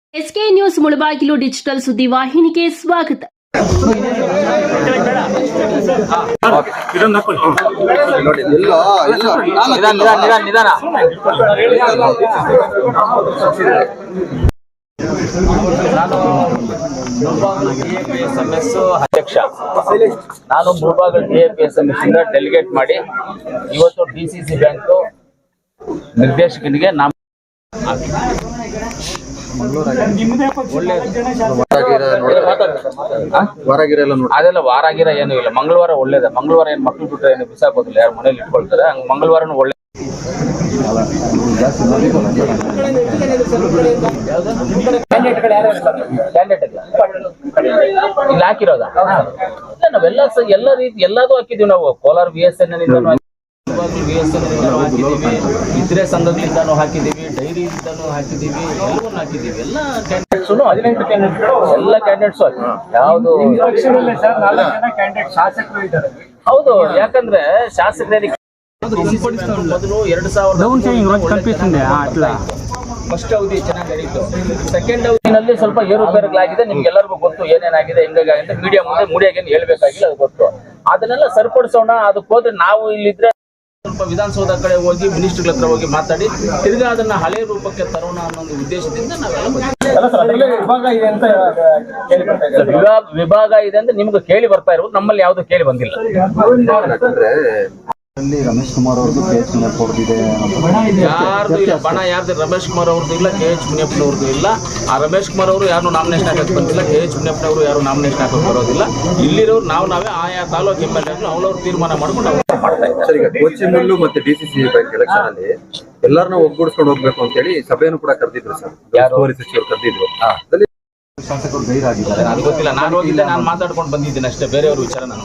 S K news Mulbagal digital ಸುದ್ದಿವಾಹಿನಿಗೆ ಸ್ವಾಗತ. ಅಧ್ಯಕ್ಷ ನಾನು ಮುಳಬಾಗಿಲು DAPSMS ಇಂದ ಡೆಲಿಗೇಟ್ ಮಾಡಿ ಇವತ್ತು DCC ಬ್ಯಾಂಕ್ ನಿರ್ದೇಶಕನಿಗೆ ನಾಮ ಅದೆಲ್ಲ ವಾರಾಗಿರ ಏನು ಇಲ್ಲ. ಮಂಗಳವಾರ ಒಳ್ಳೇದ. ಮಂಗಳವಾರ ಏನ್ ಮಕ್ಳು ಬಿಟ್ಟರೆ ಏನು ಬಿಸಾಕೋದಿಲ್ಲ, ಯಾರು ಮನೇಲಿ ಇಟ್ಕೊಳ್ತಾರೆ. ಹಂಗ ಮಂಗಳವಾರನು ಒಳ್ಳೆ ಇಲ್ಲಿ ಹಾಕಿರೋದ ನಾವೆಲ್ಲ ಎಲ್ಲ ರೀತಿ ಎಲ್ಲದೂ ಹಾಕಿದೀವಿ ನಾವು. ಕೋಲಾರ VSN ಹಾಕಿದೀವಿ, ಇತರೆ ಸಂಘಗಳಿಂದಾನು ಹಾಕಿದೀವಿ, ಡೈರಿಯಿಂದಾನು ಹಾಕಿದೀವಿ, ಎಲ್ಲವನ್ನೂ ಹಾಕಿದೀವಿ. ಎಲ್ಲ ಕ್ಯಾಂಡಿಡೇಟ್ಸ್ 18 ಕ್ಯಾಂಡಿಡೇಟ್ಸ್ ಎಲ್ಲ ಕ್ಯಾಂಡಿಡೇಟ್ಸ್ ಯಾವುದು ಹೌದು. ಯಾಕಂದ್ರೆ ಶಾಸಕರಿಗೆ ಮೊದಲು 2000 ಫಸ್ಟ್ ಅವಧಿ ಚೆನ್ನಾಗಿ ನಡೀತು. ಸೆಕೆಂಡ್ ಅವಧಿನಲ್ಲಿ ಸ್ವಲ್ಪ ಏರುಪೇರುಗಳಾಗಿದೆ. ನಿಮ್ಗೆಲ್ಲರಿಗೂ ಗೊತ್ತು ಏನೇನಾಗಿದೆ, ಹೆಂಗಾಗಿದೆ. ಮೀಡಿಯಾಗೇನು ಹೇಳ್ಬೇಕಾಗಿಲ್ಲ, ಅದು ಗೊತ್ತು. ಅದನ್ನೆಲ್ಲ ಸರಿಪಡಿಸೋಣ. ಅದಕ್ಕೆ ಹೋದ್ರೆ ನಾವು ಇಲ್ಲಿದ್ರೆ ಸ್ವಲ್ಪ ವಿಧಾನಸೌಧ ಕಡೆ ಹೋಗಿ ಮಿನಿಸ್ಟರ್ಗಳ ಹತ್ರ ಹೋಗಿ ಮಾತಾಡಿ ತಿರ್ಗಾ ಅದನ್ನ ಹಳೆ ರೂಪಕ್ಕೆ ತರೋಣ ಅನ್ನೋ ಒಂದು ಉದ್ದೇಶದಿಂದ ವಿಭಾಗ ಇದೆ ಅಂತ ನಿಮ್ಗೆ ಕೇಳಿ ಬರ್ತಾ ಇರೋದು. ನಮ್ಮಲ್ಲಿ ಯಾವ್ದು ಕೇಳಿ ಬಂದಿಲ್ಲ. ರಮೇಶ್ ಕುಮಾರ್ ಅವ್ರದ್ದು KH ಮುನಿಯಪ್ಪನವ್ರದ್ದು ಯಾರ್ದು ಇಲ್ಲ ಬಣ. ಯಾರ್ದು ರಮೇಶ್ ಕುಮಾರ್ ಅವ್ರದ್ದು ಇಲ್ಲ, KH ಮುನಿಯಪ್ಪನವ್ರದ್ದು ಇಲ್ಲ. ಆ ರಮೇಶ್ ಕುಮಾರ್ ಅವರು ಯಾರು ನಾಮಿನೇಷನ್ ಹಾಕಕ್ಕೆ ಬಂದಿಲ್ಲ, KH ಮುನಿಯಪ್ಪನವರು ಯಾರು ನಾಮಿನೇಷನ್ ಹಾಕಕ್ಕೆ ಬರೋದಿಲ್ಲ. ಇಲ್ಲಿರೋರು ನಾವೇ ಆಯಾ ತಾಲೂಕು MLA ಅವ್ರವ್ರು ತೀರ್ಮಾನ ಮಾಡ್ಕೊಂಡು ಅವ್ರು ಮಾಡ್ತಾ ಇದ್ದಾರೆ. ಸರ್, ಈಗ ಕೋಚಿಮುಲ್ಲು ಮತ್ತೆ DCC ಬ್ಯಾಂಕ್ ಎಲೆಕ್ಷನ್ ಅಲ್ಲಿ ಎಲ್ಲರನ್ನ ಒಗ್ಗೂಡಿಸ್ಕೊಂಡು ಹೋಗ್ಬೇಕು ಅಂತ ಹೇಳಿ ಸಭೆಯನ್ನು ಕೂಡ ಕರೆದಿದ್ರು ಸರ್. ಉಸ್ತುವಾರಿ ಸಚಿವರು ಕರೆದಿದ್ರು. ಶಾಸಕರು ಗೈರಾಗಿದ್ದಾರೆ. ಅದು ಗೊತ್ತಿಲ್ಲ. ನಾನು ಹೋಗಿದ್ದೆ, ನಾನು ಮಾತಾಡ್ಕೊಂಡು ಬಂದಿದ್ದೀನಿ ಅಷ್ಟೇ. ಬೇರೆಯವ್ರ ವಿಚಾರ ನಾನು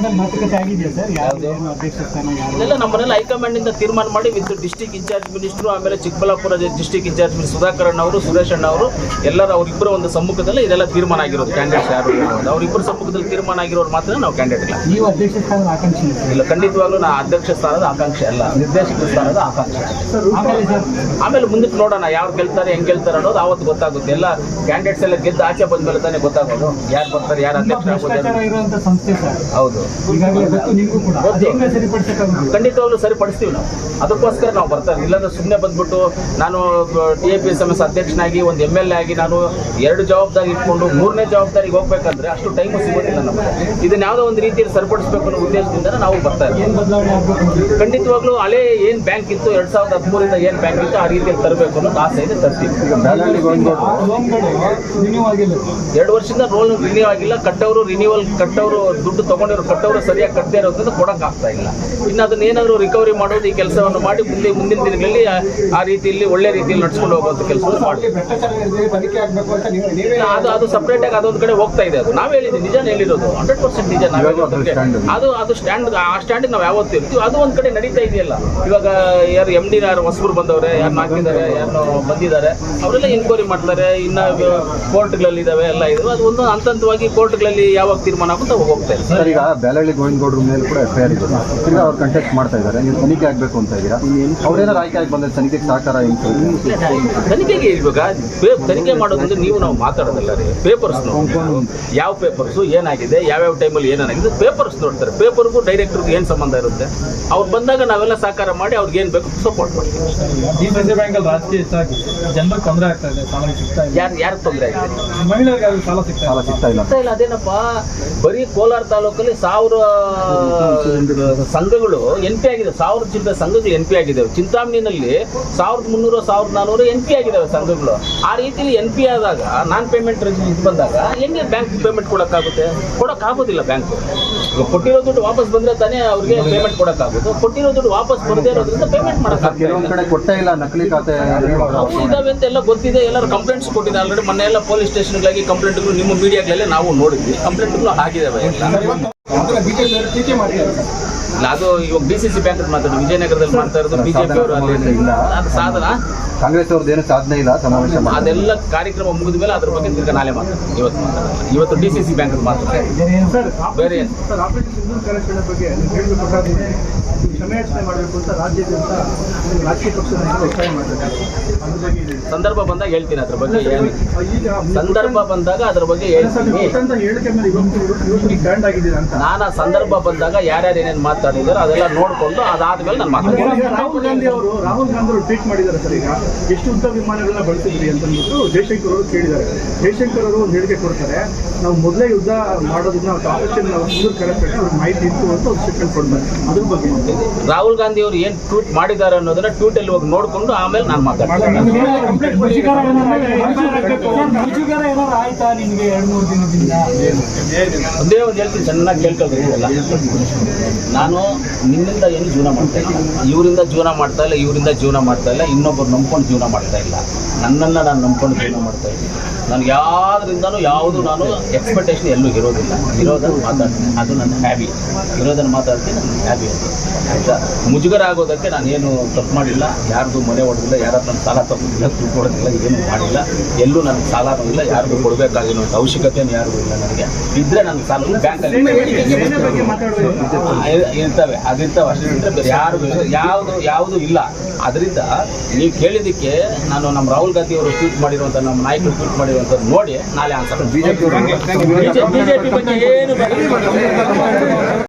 ಇದೆಲ್ಲ ನಮ್ಮನೆಲ್ಲ ಹೈಕಮಾಂಡ್ ಇಂದ ತೀರ್ಮಾನ ಮಾಡಿ ವಿತ್ ಡಿಸ್ಟ್ರಿಕ್ಟ್ ಇನ್ಚಾರ್ಜ್ ಮಿನಿಸ್ಟ್ರು, ಆಮೇಲೆ Chikkaballapur district incharge minister Sudhakar ಅವರು, ಸುರೇಶ್ ಅಣ್ಣ ಅವರು ಎಲ್ಲರೂ ಅವರಿಬ್ಬರ ಒಂದು ಸಮ್ಮುಖದಲ್ಲಿ ಇದೆಲ್ಲ ತೀರ್ಮಾನ ಆಗಿರೋದು. ಕ್ಯಾಂಡಿಡೇಟ್ಸ್ ಯಾರು ಅವರಿಬ್ಬರ ಸಮ್ಮುಖದಲ್ಲಿ ತೀರ್ಮಾನ ಆಗಿರೋರು ಮಾತ್ರ ನಾವು ಕ್ಯಾಂಡಿಡೇಟ್ ಇಲ್ಲ. ನೀವು ಅಧ್ಯಕ್ಷ ಸ್ಥಾನದ ಆಕಾಂಕ್ಷೆ ಇಲ್ಲ, ಖಂಡಿತವಾಗ್ಲೂ ನಾ ಅಧ್ಯಕ್ಷ ಸ್ಥಾನದ ಆಕಾಂಕ್ಷೆ ಅಲ್ಲ, ನಿರ್ದೇಶಕ ಸ್ಥಾನದ ಆಕಾಂಕ್ಷೆ. ಆಮೇಲೆ ಮುಂದಕ್ಕೆ ನೋಡೋಣ ಯಾರು ಗೆಲ್ತಾರೆ, ಹೆಂಗ್ ಗೆಲ್ತಾರೆ ಅನ್ನೋದು ಅವತ್ತು ಗೊತ್ತಾಗುತ್ತೆ. ಎಲ್ಲ ಕ್ಯಾಂಡಿಡೇಟ್ಸ್ ಎಲ್ಲ ಗೆದ್ದು ಆಚೆ ಬಂದ್ಮೇಲೆ ತಾನೇ ಗೊತ್ತಾಗೋದು ಯಾರು ಬರ್ತಾರೆ, ಯಾರು ಅಧ್ಯಕ್ಷ ಇರುವಂತ ಸಂಸ್ಥೆ ಸರ್. ಹೌದು, ಖಂಡಿತವಾಗ್ಲೂ ಸರಿಪಡಿಸ್ತೀವಿ ನಾವು. ಅದಕ್ಕೋಸ್ಕರ ನಾವು ಬರ್ತಾರೆ. ಇಲ್ಲಾಂದ್ರೆ ಸುಮ್ಮನೆ ಬಂದ್ಬಿಟ್ಟು ನಾನು DAPSMS ಅಧ್ಯಕ್ಷನಾಗಿ ಒಂದು MLA ಆಗಿ ನಾನು 2 ಜವಾಬ್ದಾರಿ ಇಟ್ಕೊಂಡು 3ನೇ ಜವಾಬ್ದಾರಿಗೆ ಹೋಗ್ಬೇಕಂದ್ರೆ ಅಷ್ಟು ಟೈಮು ಸಿಗೋದಿಲ್ಲ ನಮಗೆ. ಇದನ್ನ ಯಾವುದೋ ಒಂದು ರೀತಿಯಲ್ಲಿ ಸರಿಪಡಿಸಬೇಕು ಅನ್ನೋ ಉದ್ದೇಶದಿಂದ ನಾವು ಬರ್ತಾ ಇದ್ದೀವಿ. ಖಂಡಿತವಾಗ್ಲೂ ಹಳೆ ಏನ್ ಬ್ಯಾಂಕ್ ಇತ್ತು 2013 ಏನ್ ಬ್ಯಾಂಕ್ ಇತ್ತು ಆ ರೀತಿಯಲ್ಲಿ ತರಬೇಕು ಅನ್ನೋದು ಆಸೆ ಇದೆ. ತರ್ತೀವಿ. 2 ವರ್ಷದಿಂದ ರೋಲ್ ರಿನ್ಯೂ ಆಗಿಲ್ಲ. ಕಟ್ಟವರು ದುಡ್ಡು ತಗೊಂಡಿರೋ ಕಟ್ಟವರು ಸರಿಯಾಗಿ ಕಟ್ಟದೇ ಇರೋದ್ರಿಂದ ಕೊಡಕ್ ಆಗ್ತಾ ಇಲ್ಲ. ಇನ್ನು ಅದನ್ನ ಏನಾದ್ರು ರಿಕವರಿ ಮಾಡೋದು, ಈ ಕೆಲಸವನ್ನು ಮಾಡಿ ಮುಂದಿನ ದಿನಗಳಲ್ಲಿ ಆ ರೀತಿಯಲ್ಲಿ ಒಳ್ಳೆ ರೀತಿಯಲ್ಲಿ ನಡ್ಸ್ಕೊಂಡು ಹೋಗುವಂತ ಕೆಲಸವನ್ನು ಮಾಡಿ ಅದು ಸಪರೇಟ್ ಆಗಿ ಅದೊಂದು ಕಡೆ ಹೋಗ್ತಾ ಇದೆ. ಅದು ನಾವ್ ಹೇಳಿದ್ವಿ, ನಿಜ ಹೇಳಿರೋದು 100% ನಿಜ. ಅದು ಸ್ಟ್ಯಾಂಡ್, ಆ ಸ್ಟ್ಯಾಂಡ್ ನಾವು ಯಾವತ್ತೂ ಇರ್ತೀವಿ. ಅದು ಒಂದ್ ಕಡೆ ನಡೀತಾ ಇದೆಯಲ್ಲ. ಇವಾಗ ಯಾರು MD ಯಾರು ಹೊಸಬರು ಬಂದವ್ರೆ, ಯಾರು ಹಾಕಿದ್ದಾರೆ, ಯಾರು ಬಂದಿದ್ದಾರೆ, ಅವರೆಲ್ಲ ಎನ್ಕ್ವೈರಿ ಮಾಡ್ತಾರೆ. ಇನ್ನ ಕೋರ್ಟ್ಗಳಲ್ಲಿ ಇದಾವೆ, ಎಲ್ಲ ಇದಾವೆ. ಅದು ಒಂದು ಹಂತವಾಗಿ ಕೋರ್ಟ್ಗಳಲ್ಲಿ ಯಾವಾಗ ತೀರ್ಮಾನ ಆಗುತ್ತೆ ಅವಾಗ ಹೋಗ್ತಾ ಇದೆ. ಸರ್, ಈಗ ಬ್ಯಾಲಹಳ್ಳಿ ಗೋವಿಂದಗೌಡ್ರ ಮೇಲೆ ಕೂಡ FIR ಇದೆ. ಈಗ ಅವ್ರು ಕಂಟೆಸ್ಟ್ ಮಾಡ್ತಾ ಇದ್ದಾರೆ. ನೀವು ತನಿಖೆ ಆಗ್ಬೇಕು ಅಂತ ಇದ್ದೀರಾ. ಅವ್ರೇನಾರು ಆಯ್ಕೆ ಆಗಿ ಬಂದ್ರೆ ತನಿಖೆಗೆ ಸಹಕಾರ ತನಿಖೆಗೆ ಇವಾಗ ತನಿಖೆ ಮಾಡೋದಂದ್ರೆ ನಾವು ಮಾತಾಡೋದಲ್ಲ ರೀ. ಪೇಪರ್ಸ್ ಯಾವ ಪೇಪರ್ಸು ಏನಾಗಿದೆ, ಯಾವ್ಯಾವ ಟೈಮಲ್ಲಿ ಏನಾಗಿದೆ ಪೇಪರ್ಸ್ ನೋಡ್ತಾರೆ. ಪೇಪರ್ಗೂ ಡೈರೆಕ್ಟರ್ಗೂ ಏನು ಸಂಬಂಧ ಇರುತ್ತೆ. ಅವ್ರು ಬಂದಾಗ ನಾವೆಲ್ಲ ಸಹಕಾರ ಮಾಡಿ ಅವ್ರಿಗೆ ಏನು ಬೇಕು ಸಪೋರ್ಟ್ ಮಾಡ್ತೀವಿ. ರಾಜಕೀಯ ಜನರಿಗೆ ತೊಂದರೆ ಆಗ್ತಾ ಇದೆ, ಯಾರು ತೊಂದರೆ ಆಗಿದೆ? ಮಹಿಳೆಯರಿಗೆ ಸಾಲ ಸಿಗ್ತಾ ಇಲ್ಲ. ಅದೇನಪ್ಪ, ಬರೀ ಕೋಲಾರ ತಾಲೂಕಲ್ಲಿ 1000 ಸಂಘಗಳು NP ಆಗಿದೆ. 1000 ಚಿಲ್ಲರೆ ಸಂಘಗಳು NP ಆಗಿದ್ದಾವೆ. ಚಿಂತಾಮಣಿನಲ್ಲಿ 1300 1400 NP ಆಗಿದ್ದಾವೆ ಸಂಘಗಳು. ಆ ರೀತಿಯಲ್ಲಿ NP ಆದಾಗ ನಾನ್ ಪೇಮೆಂಟ್ ಬಂದಾಗ ಹೆಂಗೆ ಬ್ಯಾಂಕ್ ಪೇಮೆಂಟ್ ಕೊಡಕ್ಕಾಗೋದಿಲ್ಲ. ಬ್ಯಾಂಕ್ ಕೊಟ್ಟಿರೋ ದುಡ್ಡು ವಾಪಸ್ ಬಂದ್ರೆ ತಾನೇ ಅವ್ರಿಗೆ ಪೇಮೆಂಟ್ ಕೊಡಕ್ಕಾಗೋದು. ಕೊಟ್ಟಿರೋ ದುಡ್ಡು ವಾಪಸ್ ಬರದೇ ಇರೋದ್ರಿಂದ ಪೇಮೆಂಟ್ ಮಾಡಕ್ಕಾಗ್ತದೆ. ಕೊಟ್ಟೇ ಇಲ್ಲ, ನಕಲಿ ಖಾತೆ ಇದಾವೆ ಅಂತ ಎಲ್ಲ ಗೊತ್ತಿದೆ. ಎಲ್ಲರೂ ಕಂಪ್ಲೇಂಟ್ಸ್ ಕೊಟ್ಟಿದೆ ಆಲ್ರೆಡಿ. ಮೊನ್ನೆ ಎಲ್ಲ ಪೊಲೀಸ್ ಸ್ಟೇಷನ್ಗಳಿಗೆ ಕಂಪ್ಲೇಂಟ್ಗಳು ನಿಮ್ಮ ಮೀಡಿಯಾಗಳಲ್ಲೇ ನಾವು ನೋಡಿದ್ವಿ. ಕಂಪ್ಲೇಂಟ್ಗಳು ಆಗಿದ್ದಾವೆ. ಇಲ್ಲ, ಅದು ಇವಾಗ DCC ಬ್ಯಾಂಕ್ ಮಾತಾಡೋದು ವಿಜಯನಗರದಲ್ಲಿ ಮಾಡ್ತಾ ಇರೋದು ಬಿಜೆಪಿ ಅವರು ಅಲ್ಲಿ ಇಲ್ಲ. ಅದು ಸಾಧನ. ಕಾಂಗ್ರೆಸ್ ಅವ್ರದ್ದು ಏನು ಸಾಧನೆ ಇಲ್ಲ ಸಮಾವೇಶ ಮಾಡಿ. ಅದೆಲ್ಲ ಕಾರ್ಯಕ್ರಮ ಮುಗಿದ ಮೇಲೆ ಅದ್ರ ಬಗ್ಗೆ ತಿರ್ಗಾ ನಾಳೆ ಮಾತಾಡ್ತೀನಿ. ಇವತ್ತು DCC ಬ್ಯಾಂಕ್ ಮಾತಾಡ್ತೀನಿ. ಬೇರೆ ಏನು? ಸರ್, ಆಪರೇಷನ್ ಸಿಂಧೂರ್ ಕಾರ್ಯಾಚರಣೆ ಬಗ್ಗೆ ಹೇಳಬೇಕು ಪ್ರಕಾಶ್ ಕ್ಷಮೆಯಾಚನೆ ಮಾಡಬೇಕು ಅಂತ ರಾಜ್ಯಾದ್ಯಂತ ರಾಜಕೀಯ ಪಕ್ಷದ ನಾಯಕರು ಒತ್ತಾಯ ಮಾಡ್ತಾರೆ. ಅದ್ರ ಬಗ್ಗೆ ಇದೆ. ಸಂದರ್ಭ ಬಂದಾಗ ಹೇಳ್ತೀನಿ ಅದ್ರ ಬಗ್ಗೆ ಏನು. ಈಗ ಸಂದರ್ಭ ಬಂದಾಗ ಅದ್ರ ಬಗ್ಗೆ ಹೇಳ್ತೀನಿ. ಕೊಟ್ಟಂತ ಹೇಳಿಕೆ ಮೇಲೆ ಇವತ್ತು ಬ್ಯಾಂಡ್ ಆಗಿದ್ದೀರಾ ಅಂತ. ನಾನು ಆ ಸಂದರ್ಭ ಬಂದಾಗ ಯಾರ್ಯಾರು ಏನೇನು ಮಾತಾಡಿದಾರೋ ಅದೆಲ್ಲ ನೋಡಿಕೊಂಡು ಅದಾದ್ಮೇಲೆ ನಾನು ಮಾತಾಡ್ತೀನಿ. ಈಗ ರಾಹುಲ್ ಗಾಂಧಿ ಅವರು ಟ್ವೀಟ್ ಮಾಡಿದ್ದಾರೆ ಸರ್. ಈಗ ಎಷ್ಟು ಯುದ್ಧ ವಿಮಾನಗಳನ್ನ ಬಳಸಿದ್ರಿ ಅಂತ ಅಂದ್ಬಿಟ್ಟು ಜಯಶಂಕರ್ ಅವರು ಕೇಳಿದ್ದಾರೆ. ಜಯಶಂಕರ್ ಅವರು ಒಂದು ಹೇಳಿಕೆ ಕೊಡ್ತಾರೆ, ನಾವು ಮೊದಲೇ ಯುದ್ಧ ಮಾಡೋದನ್ನ ಆಪರೇಷನ್ ಸಿಂಧೂರ್ ಕಾರ್ಯಾಚರಣೆ ಅವ್ರಿಗೆ ಮಾಹಿತಿ ಇತ್ತು ಅಂತ ಒಂದು ಸ್ಟೇಟ್ಮೆಂಟ್ ಕೊಡ್ತಾರೆ. ಅದ್ರ ಬಗ್ಗೆ ರಾಹುಲ್ ಗಾಂಧಿ ಅವರು ಏನು ಟ್ವೀಟ್ ಮಾಡಿದ್ದಾರೆ ಅನ್ನೋದನ್ನ ಟ್ವೀಟಲ್ಲಿ ಹೋಗಿ ನೋಡಿಕೊಂಡು ಆಮೇಲೆ ನಾನು ಮಾತಾಡ್ತೀನಿ. ಒಂದೇ ಒಂದು ಹೇಳ್ತೀನಿ, ಚೆನ್ನಾಗಿ ಕೇಳ್ಕೊಳ್ಬೇಕು. ನಾನು ನಿನ್ನಿಂದ ಏನು ಜೀವನ ಮಾಡ್ತಾ ಇಲ್ಲ, ಇವರಿಂದ ಜೀವನ ಮಾಡ್ತಾ ಇಲ್ಲ, ಇವರಿಂದ ಜೀವನ ಮಾಡ್ತಾ ಇಲ್ಲ, ಇನ್ನೊಬ್ಬರು ನಂಬ್ಕೊಂಡು ಜೀವನ ಮಾಡ್ತಾ ಇಲ್ಲ. ನನ್ನನ್ನು ನಾನು ನಂಬ್ಕೊಂಡು ಜೀವನ ಮಾಡ್ತಾ ಇದ್ದೀನಿ. ನನಗೆ ಯಾವುದರಿಂದನೂ ಯಾವುದು ನಾನು ಎಕ್ಸ್ಪೆಕ್ಟೇಷನ್ ಎಲ್ಲೂ ಇರೋದಿಲ್ಲ. ಇರೋದನ್ನು ಮಾತಾಡ್ತೀನಿ, ಅದು ನನ್ನ ಹ್ಯಾಬಿ. ಇರೋದನ್ನು ಮಾತಾಡ್ತೀನಿ, ನನ್ನ ಹ್ಯಾಬಿ ಅದು. ಆಯಿತಾ? ಮುಜುಗರ ಆಗೋದಕ್ಕೆ ನಾನೇನು ತಪ್ಪು ಮಾಡಿಲ್ಲ, ಯಾರ್ದು ಮನೆ ಹೊಡೆದಿಲ್ಲ, ಯಾರು ನನ್ನ ಸಾಲ ತಗೊಂಡಿಲ್ಲ, ದುಡ್ಡು ಕೊಡೋದಿಲ್ಲ, ಏನು ಮಾಡಿಲ್ಲ. ಎಲ್ಲೂ ನನಗೆ ಸಾಲನೂ ಇಲ್ಲ, ಯಾರಿಗೂ ಕೊಡಬೇಕಾಗಿರೋ ಅವಶ್ಯಕತೆಯೂ ಯಾರಿಗೂ ಇಲ್ಲ. ನನಗೆ ಇದ್ದರೆ ನನ್ನ ಸಾಲ ಬ್ಯಾಂಕಲ್ಲಿ ಇರ್ತವೆ, ಅದಿರ್ತವೆ ಅಷ್ಟೇ ಬಿಟ್ಟರೆ ಬೇರೆ ಯಾವುದು ಇಲ್ಲ. ಅದರಿಂದ ನೀವು ಕೇಳಿದ್ದಕ್ಕೆ ನಾನು ನಮ್ಮ ರಾಹುಲ್ ಗಾಂಧಿ ಅವರು ಟ್ವೀಟ್ ಮಾಡಿರುವಂಥ, ನಮ್ಮ ನಾಯಕರು ಟ್ವೀಟ್ ಮಾಡಿರುವಂಥದ್ದು ನೋಡಿ ನಾಳೆ ಆನ್ಸರ್. ಬಿಜೆಪಿ ಬಗ್ಗೆ ಏನು